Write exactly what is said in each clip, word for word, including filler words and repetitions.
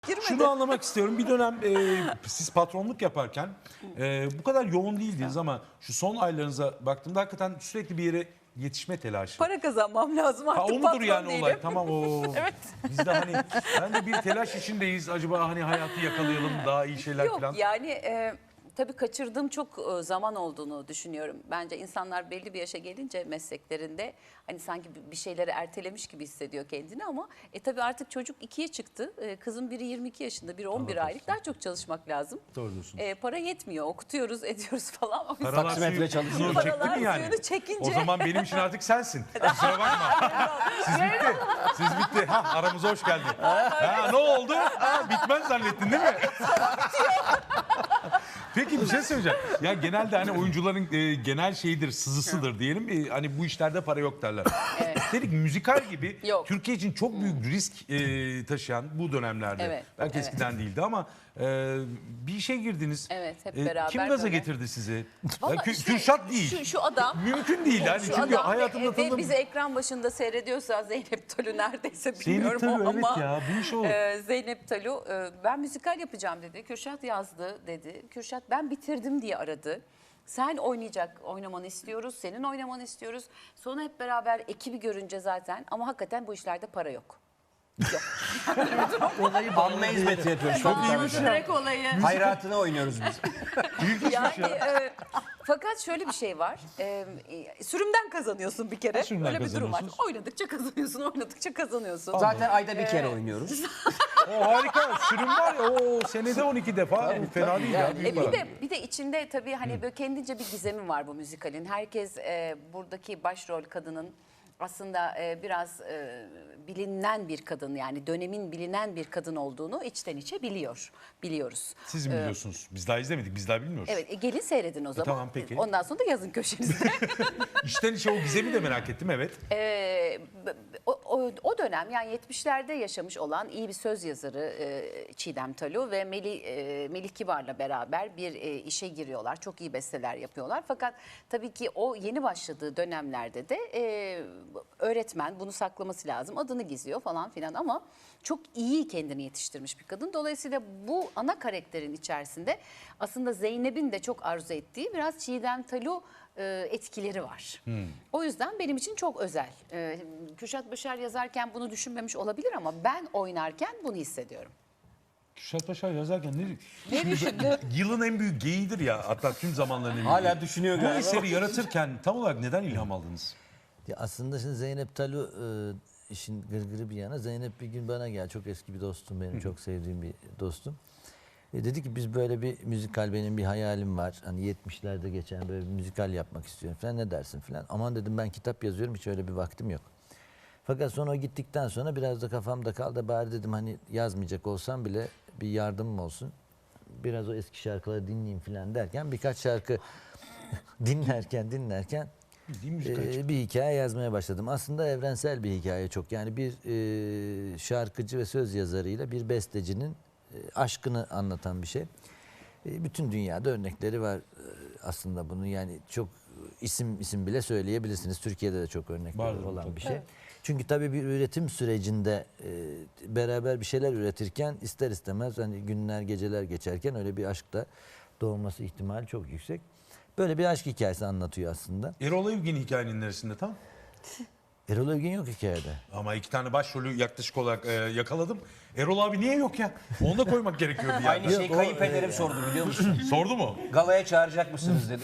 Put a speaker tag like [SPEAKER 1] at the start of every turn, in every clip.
[SPEAKER 1] Girmedi.
[SPEAKER 2] Şunu anlamak istiyorum. Bir dönem e, siz patronluk yaparken e, bu kadar yoğun değildiniz ama şu son aylarınıza baktığımda hakikaten sürekli bir yere yetişme telaşı.
[SPEAKER 1] Para kazanmam lazım artık.
[SPEAKER 2] Ha, o mudur
[SPEAKER 1] patron
[SPEAKER 2] yani
[SPEAKER 1] değilim.
[SPEAKER 2] olay? Tamam o.
[SPEAKER 1] Evet.
[SPEAKER 2] Biz de hani ben de bir telaş içindeyiz. Acaba hani hayatı yakalayalım daha iyi şeyler
[SPEAKER 1] Yok
[SPEAKER 2] falan.
[SPEAKER 1] yani e, tabii kaçırdığım çok e, zaman olduğunu düşünüyorum. Bence insanlar belli bir yaşa gelince mesleklerinde hani sanki bir şeyleri ertelemiş gibi hissediyor kendini ama e tabii artık çocuk ikiye çıktı. E, kızım biri yirmi iki yaşında, biri on bir aylık. Daha çok çalışmak lazım.
[SPEAKER 2] Doğru diyorsunuz.
[SPEAKER 1] E, para yetmiyor. Okutuyoruz, ediyoruz falan. O yüzden-
[SPEAKER 2] Paralar
[SPEAKER 3] Taksimetre
[SPEAKER 2] suyu-
[SPEAKER 3] çalışıyor.
[SPEAKER 2] suyunu çekti
[SPEAKER 1] Paralar
[SPEAKER 2] mi yani?
[SPEAKER 1] suyunu çekince-
[SPEAKER 2] O zaman benim için artık sensin. Kusura bakma. Siz bitti. Siz bitti. Ha, aramıza hoş geldin. Ha, ne oldu? Ha, bitmez zannettin değil mi? Peki bir şey söyleyeceğim. Ya genelde hani oyuncuların e, genel şeyidir, sızısıdır diyelim. E, hani bu işlerde para yok derler. Üstelik müzikal gibi
[SPEAKER 1] Yok.
[SPEAKER 2] Türkiye için çok büyük risk e, taşıyan bu dönemlerde.
[SPEAKER 1] Evet,
[SPEAKER 2] Belki
[SPEAKER 1] evet.
[SPEAKER 2] eskiden değildi ama e, bir işe girdiniz.
[SPEAKER 1] Evet, hep
[SPEAKER 2] E,
[SPEAKER 1] beraber
[SPEAKER 2] Kim gaza
[SPEAKER 1] böyle.
[SPEAKER 2] getirdi sizi?
[SPEAKER 1] Vallahi
[SPEAKER 2] Ya, Kü-
[SPEAKER 1] işte
[SPEAKER 2] Kürşat değil.
[SPEAKER 1] Şu, şu adam.
[SPEAKER 2] Mümkün değil yani.
[SPEAKER 1] Şu
[SPEAKER 2] Çünkü
[SPEAKER 1] adam
[SPEAKER 2] hayatımda
[SPEAKER 1] ve, ve
[SPEAKER 2] tanıdığım...
[SPEAKER 1] bizi ekran başında seyrediyorsa Zeynep Talu neredeyse
[SPEAKER 2] Zeynep
[SPEAKER 1] bilmiyorum
[SPEAKER 2] Talu,
[SPEAKER 1] ama
[SPEAKER 2] evet ya, bu iş o.
[SPEAKER 1] e, Zeynep Talu e, ben müzikal yapacağım dedi. Kürşat yazdı dedi. Kürşat ben bitirdim diye aradı. Sen oynayacak, oynamanı istiyoruz, senin oynamanı istiyoruz. Sonra hep beraber ekibi görünce zaten ama hakikaten bu işlerde para yok.
[SPEAKER 3] Anma hizmeti yapıyoruz. Çok iyiymiş.
[SPEAKER 1] Direkt olayı.
[SPEAKER 3] Hayratını oynuyoruz biz.
[SPEAKER 1] Yani e, fakat şöyle bir şey var. E, e, sürümden kazanıyorsun bir kere.
[SPEAKER 2] Sürümden
[SPEAKER 1] Öyle bir durum var.
[SPEAKER 2] kazanıyorsunuz.
[SPEAKER 1] Oynadıkça kazanıyorsun, oynadıkça kazanıyorsun.
[SPEAKER 3] Zaten ayda bir kere oynuyoruz.
[SPEAKER 2] O harika. Sürüm var ya o senede on iki defa. Bu fena değil ya. Büyük
[SPEAKER 1] E, bir
[SPEAKER 2] para.
[SPEAKER 1] de bir de içinde tabii hani böyle kendince bir gizemi var bu müzikalin. Herkes e, buradaki başrol kadının aslında e, biraz e, bilinen bir kadın, yani dönemin bilinen bir kadın olduğunu içten içe biliyor. Biliyoruz.
[SPEAKER 2] Siz mi biliyorsunuz? Biz daha izlemedik. Biz daha bilmiyoruz.
[SPEAKER 1] Evet, e, gelin seyredin o zaman.
[SPEAKER 2] tamam, peki.
[SPEAKER 1] Ondan sonra da yazın köşenizde.
[SPEAKER 2] İşten içe o gizemi de merak ettim, evet.
[SPEAKER 1] Ee, b- b- o, o, o dönem yani yetmişlerde yaşamış olan iyi bir söz yazarı e, Çiğdem Talu ve Melih, e, Melih Kibar'la beraber bir e, işe giriyorlar. Çok iyi besteler yapıyorlar. Fakat tabii ki o yeni başladığı dönemlerde de e, öğretmen bunu saklaması lazım. Adını gizliyor falan filan ama çok iyi kendini yetiştirmiş bir kadın. Dolayısıyla bu ana karakterin içerisinde aslında Zeynep'in de çok arzu ettiği biraz Çiğdem Talu e, etkileri var. O yüzden benim için çok özel. E, Kürşat Başar yazarken bunu düşünmemiş olabilir ama ben oynarken bunu hissediyorum.
[SPEAKER 2] Kürşat Paşa yazarken ne...
[SPEAKER 1] Ne düşündün?
[SPEAKER 2] Yılın en büyük geyiğidir ya. Hatta tüm zamanların en büyük
[SPEAKER 3] Hala
[SPEAKER 2] geyiği.
[SPEAKER 3] düşünüyor
[SPEAKER 2] Bu
[SPEAKER 3] galiba.
[SPEAKER 2] eseri yaratırken tam olarak neden ilham aldınız?
[SPEAKER 4] Ya aslında şimdi Zeynep Talu e, işin gırgırı bir yana. Zeynep bir gün bana geldi. Çok eski bir dostum benim. Çok sevdiğim bir dostum. E, dedi ki biz böyle bir müzikal, benim bir hayalim var. Hani yetmişlerde geçen böyle bir müzikal yapmak istiyorum falan, ne dersin falan. Aman dedim, ben kitap yazıyorum, hiç öyle bir vaktim yok. Fakat sonra o gittikten sonra biraz da kafamda kaldı. Bari dedim hani yazmayacak olsam bile bir yardımım olsun. Biraz o eski şarkıları dinleyeyim falan derken birkaç şarkı dinlerken dinlerken
[SPEAKER 2] Bildiğin müzikal
[SPEAKER 4] ee, bir hikaye yazmaya başladım. Aslında evrensel bir hikaye çok. Yani bir e, şarkıcı ve söz yazarıyla bir bestecinin e, aşkını anlatan bir şey. E, bütün dünyada örnekleri var e, aslında bunun. Yani çok isim isim bile söyleyebilirsiniz. Türkiye'de de çok örnekleri
[SPEAKER 2] Vardır
[SPEAKER 4] olan
[SPEAKER 2] tabii.
[SPEAKER 4] bir şey. Çünkü tabii bir üretim sürecinde e, beraber bir şeyler üretirken ister istemez hani günler geceler geçerken öyle bir aşk da doğması ihtimali çok yüksek. Böyle bir aşk hikayesi anlatıyor aslında.
[SPEAKER 2] Erol Evgin hikayenin neresinde tam?
[SPEAKER 4] Erol Evgin yok hikayede.
[SPEAKER 2] Ama iki tane başrolü yaklaşık olarak e, yakaladım. Erol abi niye yok ya? Onu da koymak gerekiyordu yani.
[SPEAKER 3] Aynı şeyi kayınpederim sordu biliyor musun?
[SPEAKER 2] Sordu mu?
[SPEAKER 3] Galaya çağıracak mısınız dedi.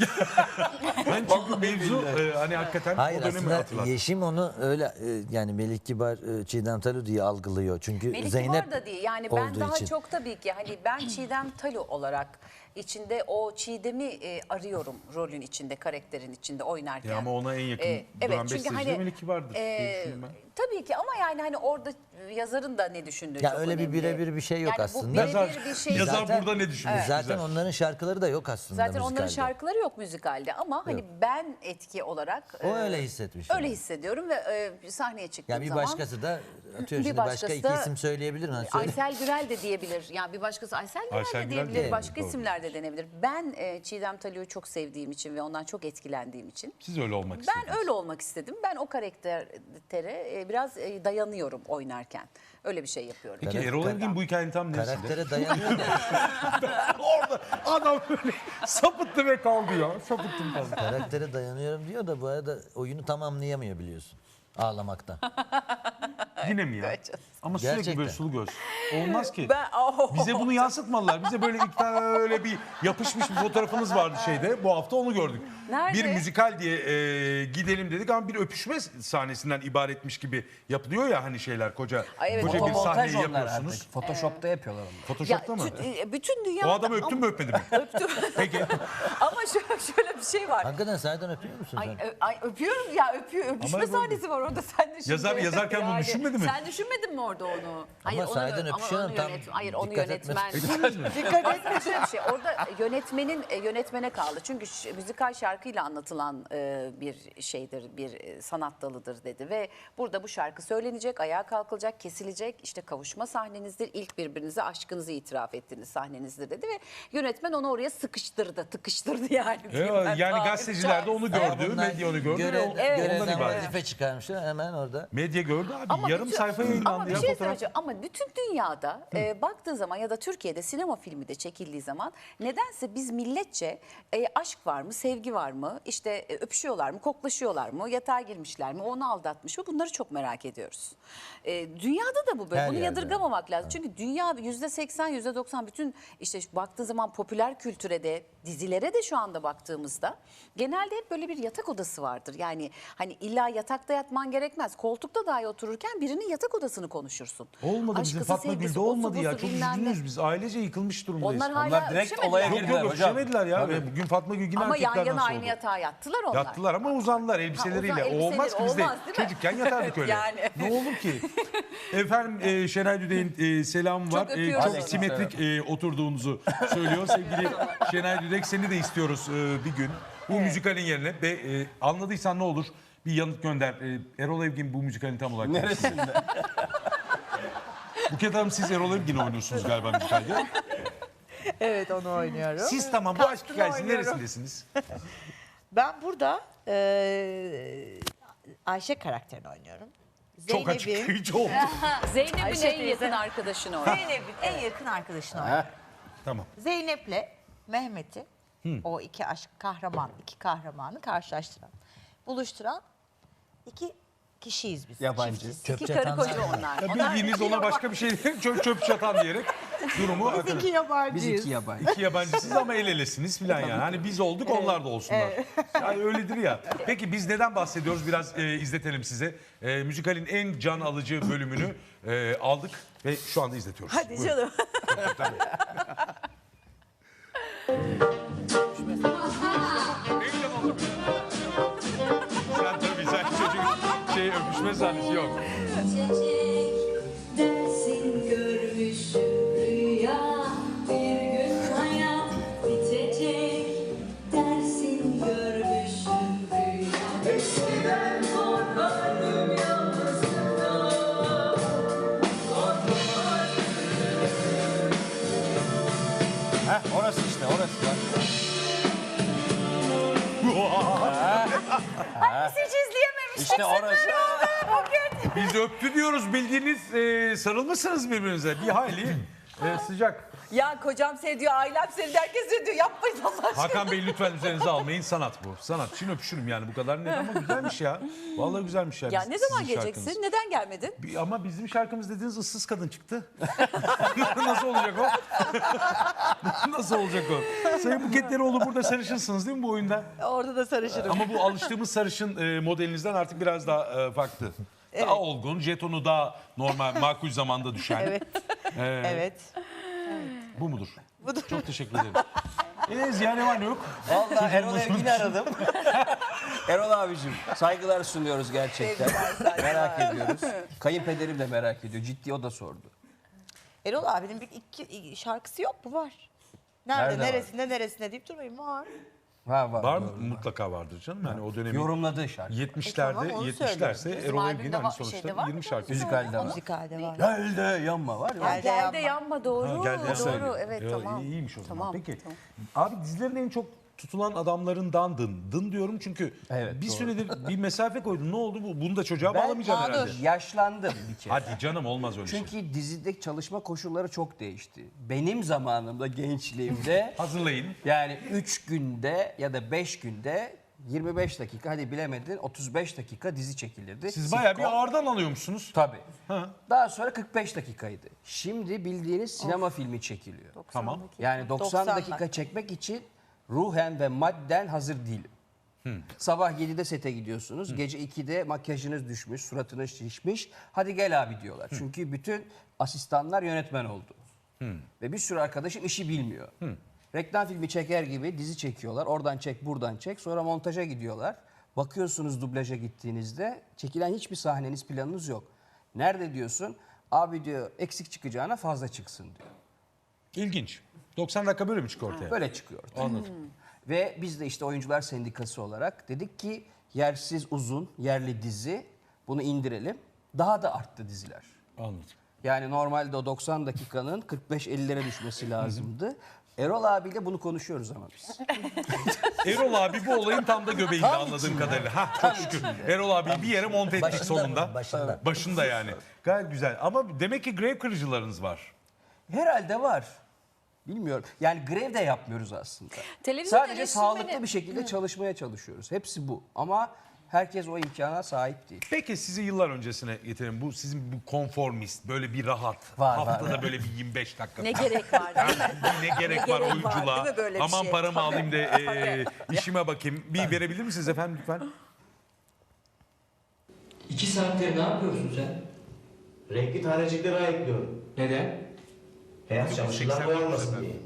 [SPEAKER 2] Ben çünkü mevzu e, hani hakikaten
[SPEAKER 4] Hayır,
[SPEAKER 2] o dönemi
[SPEAKER 4] aslında
[SPEAKER 2] hatırlattı.
[SPEAKER 4] Yeşim onu öyle e, yani Melih Kibar, e, Çiğdem Talu diye algılıyor. Çünkü
[SPEAKER 1] Melih
[SPEAKER 4] Zeynep
[SPEAKER 1] Kibar da değil. Yani ben
[SPEAKER 4] olduğu
[SPEAKER 1] daha
[SPEAKER 4] için.
[SPEAKER 1] çok tabii ki hani ben Çiğdem Talu olarak içinde o Çiğdem'i e, arıyorum rolün içinde, karakterin içinde oynarken.
[SPEAKER 2] Ya ama ona en yakın
[SPEAKER 1] Ee,
[SPEAKER 2] duran
[SPEAKER 1] evet, çünkü
[SPEAKER 2] besteci
[SPEAKER 1] hani,
[SPEAKER 2] de Melih Kibar'dır diye
[SPEAKER 1] e,
[SPEAKER 2] düşünüyorum ben.
[SPEAKER 1] Tabii ki ama yani hani orada yazarın da ne düşündüğü
[SPEAKER 4] Ya
[SPEAKER 1] çok
[SPEAKER 4] öyle bir
[SPEAKER 1] önemli.
[SPEAKER 4] birebir bir şey yok
[SPEAKER 1] yani
[SPEAKER 4] aslında.
[SPEAKER 1] Bu birebir
[SPEAKER 2] Yazar,
[SPEAKER 1] bir şey.
[SPEAKER 2] yazar
[SPEAKER 4] Zaten-
[SPEAKER 2] burada ne düşünmüş?
[SPEAKER 4] Zaten
[SPEAKER 2] güzel.
[SPEAKER 4] onların şarkıları da yok aslında
[SPEAKER 1] Zaten onların
[SPEAKER 4] müzikalde.
[SPEAKER 1] şarkıları yok müzikalde ama hani ben etki olarak
[SPEAKER 4] O
[SPEAKER 1] e,
[SPEAKER 4] öyle hissetmiş.
[SPEAKER 1] öyle
[SPEAKER 4] yani.
[SPEAKER 1] hissediyorum ve e, sahneye çıktığım
[SPEAKER 4] Yani bir
[SPEAKER 1] zaman
[SPEAKER 4] başkası da atıyor
[SPEAKER 1] Bir
[SPEAKER 4] şimdi başka
[SPEAKER 1] başkası
[SPEAKER 4] iki
[SPEAKER 1] da-
[SPEAKER 4] isim söyleyebilir mi? Hani söyle.
[SPEAKER 1] Aysel Gürel de diyebilir. Yani bir başkası Aysel Gürel
[SPEAKER 2] Aysel
[SPEAKER 1] de
[SPEAKER 2] Gürel
[SPEAKER 1] diyebilir.
[SPEAKER 2] de
[SPEAKER 1] Başka
[SPEAKER 2] doğru.
[SPEAKER 1] isimler de denebilir. Ben e, Çiğdem Talu'yu çok sevdiğim için ve ondan çok etkilendiğim için
[SPEAKER 2] Siz öyle olmak istediniz.
[SPEAKER 1] ben öyle olmak istedim. Ben o karaktere e, e, biraz e, dayanıyorum oynarken. Öyle bir şey yapıyorum.
[SPEAKER 2] Peki
[SPEAKER 4] Karak-
[SPEAKER 2] Erol Evgin bu hikayenin tam neresinde?
[SPEAKER 4] Karaktere dayanıyor mu?
[SPEAKER 2] Orada adam böyle sapıttı ve kaldı ya. Sapıttım kaldı.
[SPEAKER 4] Karaktere dayanıyorum diyor da bu arada oyunu tamamlayamıyor biliyorsun. Ağlamaktan.
[SPEAKER 2] Yine mi ya?
[SPEAKER 1] Evet canım.
[SPEAKER 2] Ama sürekli
[SPEAKER 4] Gerçekten.
[SPEAKER 2] böyle sulu göz. Olmaz ki.
[SPEAKER 1] Ben, oh.
[SPEAKER 2] Bize bunu yansıtmalılar. Bize böyle ilk tane öyle bir yapışmış bir fotoğrafınız vardı şeyde. Bu hafta onu gördük.
[SPEAKER 1] Nerede?
[SPEAKER 2] Bir müzikal diye e, gidelim dedik ama bir öpüşme sahnesinden ibaretmiş gibi yapılıyor ya hani şeyler koca
[SPEAKER 1] Ay evet,
[SPEAKER 2] koca bir
[SPEAKER 3] Fotomontaj
[SPEAKER 2] sahneyi
[SPEAKER 3] onlar
[SPEAKER 2] yapıyorsunuz.
[SPEAKER 3] artık. Photoshop'ta yapıyorlar onu.
[SPEAKER 1] Ya,
[SPEAKER 2] Photoshop'ta mı?
[SPEAKER 1] tü- e, bütün dünya
[SPEAKER 2] O adamı öptün mü öpmedin mi?
[SPEAKER 1] öptüm.
[SPEAKER 2] Peki.
[SPEAKER 1] Ama şöyle, şöyle bir şey var.
[SPEAKER 4] Hakikaten sahiden öpüyor musun
[SPEAKER 1] Ay,
[SPEAKER 4] sen?
[SPEAKER 1] ö- ay öpüyorum ya öpüyor. Öpüşme
[SPEAKER 2] Ama bu-
[SPEAKER 1] sahnesi var orada sen de şimdi.
[SPEAKER 2] Yazar- yazarken bunu düşünmedin mi?
[SPEAKER 1] Sen düşünmedin mi orada onu?
[SPEAKER 4] Ama sahiden
[SPEAKER 1] ama
[SPEAKER 4] öpüşüyor,
[SPEAKER 1] onu
[SPEAKER 4] tam
[SPEAKER 1] yönet- Hayır onu
[SPEAKER 4] dikkat
[SPEAKER 1] yönetmen.
[SPEAKER 4] etmez.
[SPEAKER 1] Dikkat etme şöyle bir şey. Orada yönetmenin e, yönetmene kaldı. Çünkü ş- müzikal şarkıyla anlatılan e, bir şeydir, bir e, sanat dalıdır dedi ve burada bu şarkı söylenecek, ayağa kalkılacak, kesilecek. İşte kavuşma sahnenizdir. İlk birbirinize aşkınızı itiraf ettiğiniz sahnenizdir dedi ve yönetmen onu oraya sıkıştırdı, tıkıştırdı yani.
[SPEAKER 2] E,
[SPEAKER 1] diyeyim ben.
[SPEAKER 2] yani
[SPEAKER 1] Tabiri
[SPEAKER 2] gazeteciler de onu gördü,
[SPEAKER 4] Bunlar
[SPEAKER 2] medya onu gördü.
[SPEAKER 4] görev-
[SPEAKER 2] ve o-
[SPEAKER 1] Evet.
[SPEAKER 2] ondan
[SPEAKER 4] görevden
[SPEAKER 2] ibaret.
[SPEAKER 4] vazife çıkarmışlar hemen orada.
[SPEAKER 2] Medya gördü abi.
[SPEAKER 1] Ama
[SPEAKER 2] Yarım
[SPEAKER 1] bütün-
[SPEAKER 2] sayfa
[SPEAKER 1] Ama
[SPEAKER 2] yayınlandı
[SPEAKER 1] bir
[SPEAKER 2] ya
[SPEAKER 1] şey
[SPEAKER 2] fotoğraf.
[SPEAKER 1] söyleyeceğim. Ama bütün dünyada e, baktığın zaman ya da Türkiye'de sinema filmi de çekildiği zaman nedense biz milletçe e, aşk var mı, sevgi var mı, işte e, öpüşüyorlar mı, koklaşıyorlar mı, yatağa girmişler mi, onu aldatmış mı bunları çok merak ediyoruz. E, dünyada da bu böyle.
[SPEAKER 4] Her
[SPEAKER 1] Bunu
[SPEAKER 4] yerde.
[SPEAKER 1] yadırgamamak lazım. Çünkü dünya yüzde seksen, yüzde doksan bütün işte şu baktığın zaman popüler kültüre de dizilere de şu anda baktığımızda genelde hep böyle bir yatak odası vardır. Yani hani illa yatakta yatman gerekmez. Koltukta dahi otururken birinin yatak odasını konuşursun.
[SPEAKER 2] Olmadı bizim
[SPEAKER 1] Aşkısı,
[SPEAKER 2] Fatma
[SPEAKER 1] sevgisi,
[SPEAKER 2] Gül'de
[SPEAKER 1] osu,
[SPEAKER 2] olmadı ya.
[SPEAKER 1] busu,
[SPEAKER 2] Çok
[SPEAKER 1] bilmem ne.
[SPEAKER 2] üzgünüz biz. Ailece yıkılmış durumdayız.
[SPEAKER 1] Onlar hala
[SPEAKER 3] Onlar direkt
[SPEAKER 1] öpüşemediler.
[SPEAKER 3] olaya
[SPEAKER 2] Yok
[SPEAKER 3] girdiler
[SPEAKER 2] yok
[SPEAKER 3] hocam.
[SPEAKER 2] öpüşemediler ya.
[SPEAKER 3] Tabii.
[SPEAKER 2] Bugün Fatma Gül yine
[SPEAKER 1] Ama yan
[SPEAKER 2] erkeklerden
[SPEAKER 1] yana aynı
[SPEAKER 2] sordu.
[SPEAKER 1] yatağa yattılar onlar.
[SPEAKER 2] Yattılar ama uzandılar elbiseleriyle.
[SPEAKER 1] Ha, uzan-
[SPEAKER 2] o olmaz ki
[SPEAKER 1] elbiseleri
[SPEAKER 2] biz de
[SPEAKER 1] olmaz, değil mi?
[SPEAKER 2] çocukken yatardık öyle.
[SPEAKER 1] Yani.
[SPEAKER 2] Ne olur ki? Efendim e, Şenay Düdek'in e, selamı var. E,
[SPEAKER 1] öpüyoruz
[SPEAKER 2] çok
[SPEAKER 1] onu.
[SPEAKER 2] simetrik e, oturduğunuzu söylüyor. Sevgili Şenay Düdek seni de istiyoruz e, bir gün. Bu müzikalin yerine ve e, anladıysan ne olur bir yanıt gönder. E, Erol Evgin bu müzikalin tam olarak
[SPEAKER 3] Neresinde?
[SPEAKER 2] Buket Hanım siz Erol Evgin'i oynuyorsunuz galiba müzikalde.
[SPEAKER 5] Evet onu oynuyorum.
[SPEAKER 2] Siz tamam bu aşk
[SPEAKER 5] Kastını
[SPEAKER 2] hikayesi
[SPEAKER 5] oynuyorum.
[SPEAKER 2] neresindesiniz?
[SPEAKER 5] Ben burada eee, Ayşe karakterini oynuyorum.
[SPEAKER 2] Çok
[SPEAKER 5] Zeynep'in,
[SPEAKER 2] açıklayıcı oldu.
[SPEAKER 1] Zeynep'in
[SPEAKER 5] Ayşe
[SPEAKER 1] en
[SPEAKER 5] teyze.
[SPEAKER 1] yakın arkadaşını o.
[SPEAKER 5] Zeynep'in en yakın arkadaşını oynuyorum.
[SPEAKER 2] Tamam.
[SPEAKER 5] Zeynep'le Mehmet'i o iki aşk kahraman, iki kahramanı karşılaştıran, buluşturan iki kişiyiz biz.
[SPEAKER 3] Yabancı.
[SPEAKER 5] Çiftiz.
[SPEAKER 4] Çöp
[SPEAKER 1] İki karı
[SPEAKER 4] çatanlar.
[SPEAKER 1] koca onlar.
[SPEAKER 2] Ya bildiğiniz ona başka bir şey çöp çöp çatan diyerek durumu
[SPEAKER 5] Biz
[SPEAKER 2] akın.
[SPEAKER 5] iki yabancıyız.
[SPEAKER 3] Biz iki yabancı.
[SPEAKER 2] İki yabancısınız ama el elesiniz filan yani. Hani biz olduk onlar da olsunlar. Yani öyledir ya. Peki biz neden bahsediyoruz? Biraz e, izletelim size. E, müzikalin en can alıcı bölümünü e, aldık ve şu anda izletiyoruz.
[SPEAKER 1] Hadi
[SPEAKER 2] Buyurun.
[SPEAKER 1] canım.
[SPEAKER 2] Sen tabii sen çocuk şey öpüşme sahnesi yok.
[SPEAKER 6] Çiçek dersin görmüşüm rüya, bir gün hayat bitecek dersin görmüşüm rüya. Eskiden korkardım yalnızlıktan,
[SPEAKER 3] Heh, orası işte orası. Bak.
[SPEAKER 1] Hiç izleyememiştik.
[SPEAKER 3] İşte orası.
[SPEAKER 2] Biz öptü diyoruz bildiğiniz e, sarılmışsınız birbirinize. Bir hayli e, sıcak.
[SPEAKER 1] Ya kocam seni diyor, ailem seni diyor, herkes seni diyor. Yapmayın Allah aşkına.
[SPEAKER 2] Hakan Bey lütfen üzerinize almayın. Sanat bu. Sanat. Şimdi öpüşürüm yani bu kadar net ama güzelmiş ya. Vallahi güzelmiş ya.
[SPEAKER 1] Ya
[SPEAKER 2] Biz-
[SPEAKER 1] ne zaman
[SPEAKER 2] sizin
[SPEAKER 1] geleceksin?
[SPEAKER 2] şarkınız.
[SPEAKER 1] Neden gelmedin?
[SPEAKER 2] Bir- Ama bizim şarkımız dediğiniz ıssız kadın çıktı. Nasıl olacak o? Nasıl olacak o? Sayın Buket Deroğlu burada sarışınsınız değil mi bu oyunda?
[SPEAKER 5] Orada da sarışırım.
[SPEAKER 2] Ama bu alıştığımız sarışın e, modelinizden artık biraz daha e, farklı. Daha olgun, jetonu daha normal, makul zamanda düşen.
[SPEAKER 5] Evet.
[SPEAKER 2] E,
[SPEAKER 5] Evet.
[SPEAKER 2] Bu mudur? Budur. Çok teşekkür ederim. Eee Ziya ne var ne yok?
[SPEAKER 3] Vallahi Erol Evgin'i aradım. Erol abicim saygılar sunuyoruz gerçekten. Merak ediyoruz. Kayınpederim de merak ediyor. Ciddi o da sordu.
[SPEAKER 5] Erol abinin bir iki şarkısı yok mu? Var. Nerede,
[SPEAKER 3] Nerede var?
[SPEAKER 5] neresinde, neresinde deyip durmayın. Var.
[SPEAKER 3] Ha, var.
[SPEAKER 2] Var mı?
[SPEAKER 3] doğru.
[SPEAKER 2] Mutlaka vardır canım. Yani o dönemin
[SPEAKER 3] Yorumladığı şarkı.
[SPEAKER 2] yetmişlerde,
[SPEAKER 5] E tamam, onu
[SPEAKER 2] yetmişlerse
[SPEAKER 5] söylüyorum.
[SPEAKER 2] Erol
[SPEAKER 1] albümde
[SPEAKER 2] Evgin
[SPEAKER 1] var-
[SPEAKER 2] hani sonuçta
[SPEAKER 1] şeyde var mı?
[SPEAKER 2] yirmi şarkı.
[SPEAKER 3] Müzikalde var.
[SPEAKER 5] Müzikalde var.
[SPEAKER 3] Gel de yanma var ya.
[SPEAKER 5] Gel de
[SPEAKER 1] Gel de
[SPEAKER 5] yanma.
[SPEAKER 1] yanma doğru.
[SPEAKER 2] Ha, geldi ya.
[SPEAKER 1] Doğru evet
[SPEAKER 2] Ya,
[SPEAKER 1] tamam.
[SPEAKER 2] İyiymiş o zaman.
[SPEAKER 1] Tamam,
[SPEAKER 2] Peki.
[SPEAKER 1] tamam.
[SPEAKER 2] Abi dizilerin en çok tutulan adamlarındandın. Dın diyorum çünkü
[SPEAKER 3] Evet,
[SPEAKER 2] bir
[SPEAKER 3] doğru.
[SPEAKER 2] süredir bir mesafe koydun. Ne oldu bu? Bunu da çocuğa
[SPEAKER 3] Ben
[SPEAKER 2] bağlamayacaksın herhalde.
[SPEAKER 3] yaşlandım bir kere.
[SPEAKER 2] Hadi canım olmaz öyle şey.
[SPEAKER 3] Çünkü dizideki çalışma koşulları çok değişti. Benim zamanımda, gençliğimde
[SPEAKER 2] Hazırlayın.
[SPEAKER 3] yani üç günde ya da beş günde yirmi beş dakika, hadi bilemedin otuz beş dakika dizi çekilirdi.
[SPEAKER 2] Siz bayağı bir
[SPEAKER 3] Sitcom.
[SPEAKER 2] ağırdan alıyormuşsunuz.
[SPEAKER 3] Tabii.
[SPEAKER 2] Ha.
[SPEAKER 3] Daha sonra kırk beş dakikaydı. Şimdi bildiğiniz sinema filmi çekiliyor.
[SPEAKER 2] Tamam.
[SPEAKER 3] Yani doksan,
[SPEAKER 5] doksan
[SPEAKER 3] dakika
[SPEAKER 5] dakika.
[SPEAKER 3] çekmek için ruhen ve madden hazır değilim. Sabah yedide sete gidiyorsunuz. Gece ikide makyajınız düşmüş, suratınız şişmiş. Hadi gel abi diyorlar. Çünkü bütün asistanlar yönetmen oldu. Ve bir sürü arkadaşım işi bilmiyor. Reklam filmi çeker gibi dizi çekiyorlar. Oradan çek, buradan çek. Sonra montaja gidiyorlar. Bakıyorsunuz dublaja gittiğinizde çekilen hiçbir sahneniz, planınız yok. Nerede diyorsun? Abi diyor eksik çıkacağına fazla çıksın diyor.
[SPEAKER 2] İlginç. doksan dakika böyle mi çıkıyor ortaya?
[SPEAKER 3] Böyle çıkıyor.
[SPEAKER 2] Anladım.
[SPEAKER 3] Ve biz de işte oyuncular sendikası olarak dedik ki yersiz uzun yerli dizi bunu indirelim. Daha da arttı diziler.
[SPEAKER 2] Anladım.
[SPEAKER 3] Yani normalde o doksan dakikanın kırk beş ellilere düşmesi lazımdı. Erol abiyle bunu konuşuyoruz ama biz.
[SPEAKER 2] Erol abi bu olayın tam da göbeğinde anladığım kadarıyla. Ha, çok şükür. Erol abi bir yere monte ettik
[SPEAKER 4] Başında
[SPEAKER 2] sonunda.
[SPEAKER 4] mı? Başında.
[SPEAKER 2] Başında yani. Gayet güzel. Ama demek ki grev kırıcılarınız var.
[SPEAKER 3] Herhalde var. Bilmiyorum. Yani grev de yapmıyoruz aslında.
[SPEAKER 1] Televizyon
[SPEAKER 3] Sadece
[SPEAKER 1] eleştirmeni-
[SPEAKER 3] sağlıklı bir şekilde çalışmaya çalışıyoruz. Hepsi bu. Ama herkes o imkana sahip değil.
[SPEAKER 2] Peki sizi yıllar öncesine getirelim. Bu sizin bu konformist, böyle bir rahat.
[SPEAKER 3] Var, var,
[SPEAKER 2] haftada
[SPEAKER 3] var.
[SPEAKER 2] böyle bir yirmi beş dakika.
[SPEAKER 1] Ne gerek var değil mi?
[SPEAKER 2] ne gerek var
[SPEAKER 1] gerek var,
[SPEAKER 2] oyunculuğa?
[SPEAKER 1] değil mi böyle bir
[SPEAKER 2] Aman
[SPEAKER 1] şey?
[SPEAKER 2] paramı alayım da e, işime bakayım. Bir verebilir misiniz efendim lütfen?
[SPEAKER 7] İki saattir ne yapıyorsun sen?
[SPEAKER 8] Renkli tanecikleri ayıklıyorum.
[SPEAKER 7] Neden?
[SPEAKER 8] Beyaz çamaşırlar boyanmasın diye.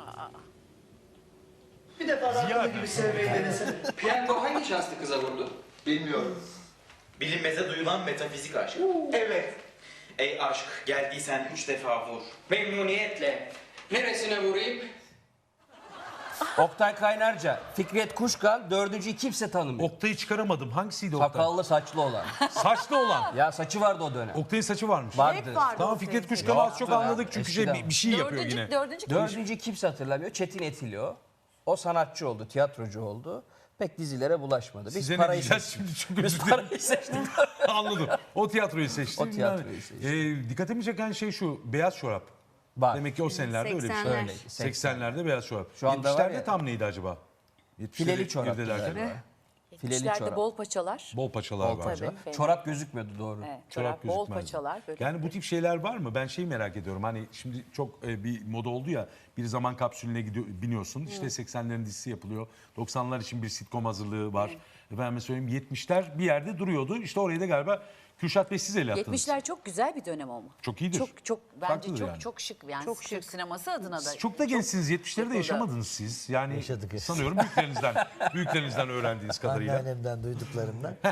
[SPEAKER 8] Bir defa rahatlığı gibi sevmeyi denesene.
[SPEAKER 7] Piyango hangi şanslı kıza vurdu?
[SPEAKER 9] Bilmiyorum. Bilinmeze duyulan metafizik aşk.
[SPEAKER 8] Evet.
[SPEAKER 9] Ey aşk, geldiysen üç defa vur.
[SPEAKER 7] Memnuniyetle. Neresine vurayım?
[SPEAKER 3] Oktay Kaynarca, Fikret Kuşkan, dördüncüyü kimse tanımıyor.
[SPEAKER 2] Oktay'ı çıkaramadım. Hangisiydi Oktay?
[SPEAKER 3] Sakallı saçlı olan.
[SPEAKER 2] Saçlı olan.
[SPEAKER 3] Ya saçı vardı o dönem.
[SPEAKER 2] Oktay'ın saçı varmış.
[SPEAKER 3] Vardı.
[SPEAKER 2] Tamam Fikret Kuşkan'ı az çok anladık çünkü şey,
[SPEAKER 3] Eskiden.
[SPEAKER 2] bir, bir şey yapıyor
[SPEAKER 1] Dördüncü,
[SPEAKER 2] yine.
[SPEAKER 1] dördüncü
[SPEAKER 3] Dördüncü kimse hatırlamıyor. Çetin Etilo. O sanatçı oldu, tiyatrocu oldu. Pek dizilere bulaşmadı. Biz
[SPEAKER 2] Size ne
[SPEAKER 3] parayı
[SPEAKER 2] diyeceğiz
[SPEAKER 3] seçtik.
[SPEAKER 2] şimdi çok
[SPEAKER 3] Biz
[SPEAKER 2] özür dilerim.
[SPEAKER 3] parayı seçtik.
[SPEAKER 2] Anladım. O tiyatroyu seçti.
[SPEAKER 3] O tiyatroyu seçti.
[SPEAKER 2] Ee, dikkatimi çeken şey şu. Beyaz çorap.
[SPEAKER 3] Var.
[SPEAKER 2] Demek ki o senelerde öyle bir şey.
[SPEAKER 5] seksenler.
[SPEAKER 3] Öyleydi.
[SPEAKER 2] seksenlerde beyaz çorap.
[SPEAKER 3] Şu anda var
[SPEAKER 2] yetmişlerde
[SPEAKER 3] ya-
[SPEAKER 2] tam neydi acaba?
[SPEAKER 3] Fileli çorap.
[SPEAKER 2] irdelerken.
[SPEAKER 3] Fileli
[SPEAKER 1] yetmişlerde
[SPEAKER 3] çorap.
[SPEAKER 1] bol paçalar.
[SPEAKER 2] Bol paçalar
[SPEAKER 3] Bol
[SPEAKER 2] var.
[SPEAKER 3] paça.
[SPEAKER 1] Tabii.
[SPEAKER 3] Çorap gözükmüyordu doğru.
[SPEAKER 1] Evet,
[SPEAKER 2] Çorap
[SPEAKER 1] çorap, bol
[SPEAKER 2] gözükmez.
[SPEAKER 1] paçalar. Böyle.
[SPEAKER 2] Yani bu tip şeyler var mı? Ben şeyi merak ediyorum. Hani şimdi çok e, bir moda oldu ya. Bir zaman kapsülüne gidiyor, biniyorsun. İşte seksenlerin dizisi yapılıyor. doksanlar için bir sitcom hazırlığı var. Efendime söyleyeyim yetmişler bir yerde duruyordu. İşte orayı da galiba Kürşat Bey siz el attınız.
[SPEAKER 1] yetmişler çok güzel bir dönem ama.
[SPEAKER 2] Çok iyidir.
[SPEAKER 1] Çok çok bence
[SPEAKER 2] Farklıdır
[SPEAKER 1] çok
[SPEAKER 2] yani.
[SPEAKER 1] çok şık yani.
[SPEAKER 5] Çok
[SPEAKER 1] Türk
[SPEAKER 5] şık.
[SPEAKER 1] sineması adına da.
[SPEAKER 2] Siz çok da gençsiniz. yetmişleri de
[SPEAKER 1] yapıldı.
[SPEAKER 2] yaşamadınız siz. Yani
[SPEAKER 4] Yaşadık, evet.
[SPEAKER 2] sanıyorum büyüklerinizden büyüklerinizden öğrendiğiniz kadarıyla.
[SPEAKER 4] Anneannemden duyduklarımdan.